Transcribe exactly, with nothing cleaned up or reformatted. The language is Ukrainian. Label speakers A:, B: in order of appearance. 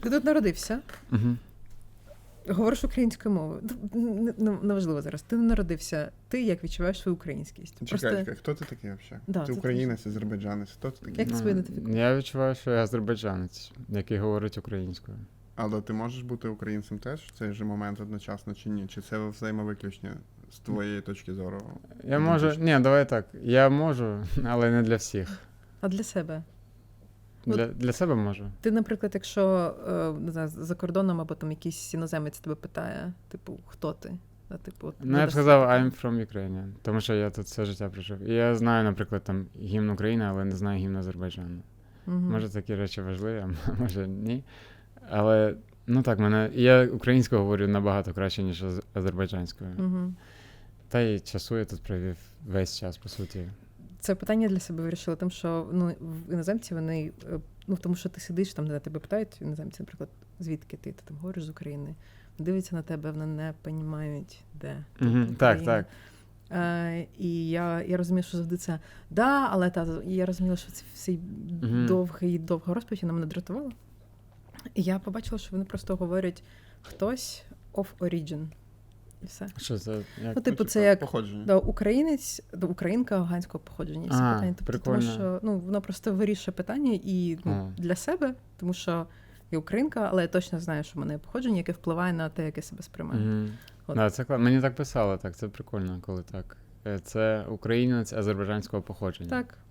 A: Ти тут народився,
B: Угу.
A: говориш українською мовою. Н- н- Неважливо зараз. Ти не народився. Ти як відчуваєш свою українськість?
C: Чекай,
A: Просто
C: чекай, хто ти такий взагалі?
A: Да,
C: ти
A: це
C: українець, азербайджанець, хто ти такий?
A: Як ти себе ідентифікуєш?
B: Я відчуваю, що я азербайджанець, який говорить українською.
C: Але ти можеш бути українцем теж в цей же момент одночасно чи ні? Чи це взаємовиключення з твоєї точки зору?
B: Я можу. Ні, давай так. Я можу, але не для всіх.
A: А для себе?
B: Для, для себе можу.
A: Ти, наприклад, якщо е, не знаю, за кордоном або там якийсь іноземець тебе питає, типу, хто ти? А, типу, от,
B: Ну, я б
A: видасти
B: сказав,
A: таке?
B: I'm from Ukraine, тому що я тут все життя прожив. І я знаю, наприклад, там гімн України, але не знаю гімн Азербайджану.
A: Мгм.
B: Може, такі речі важливі, а може ні. Але, ну так, мене, я українською говорю набагато краще, ніж аз- азербайджанською.
A: Мгм.
B: Та й часу я тут провів весь час, по суті.
A: Це питання для себе вирішила, тим, що ну, в іноземці вони, е, ну, тому що ти сидиш, там, де тебе питають, іноземці, наприклад, звідки ти, ти там говориш з України, дивляться на тебе, вони не розуміють, де ти.
B: Мгм,
A: там,
B: так,
A: країна.
B: так.
A: Е, і я, я розумію, що завжди це да, але та, і я розуміла, що це всі
B: Мгм.
A: довгий, довга розповідь, вона мене дратувала. І я побачила, що вони просто говорять хтось of origin. І все.
B: Що це? Як?
A: Ну, типу, це як
C: Походження.
A: да, українець, да, українка афганського походження. І всі
B: А,
A: питання. Тобто, тому
B: прикольно.
A: що ну, воно просто вирішує питання і ну,
B: А.
A: для себе, тому що я українка, але я точно знаю, що в мене є походження, яке впливає на те, як я себе сприймаю.
B: Мгм.
A: От.
B: Да, це класно. Мені так писали, так, це прикольно, коли так. Е, Це українець азербайджанського походження.
A: Так.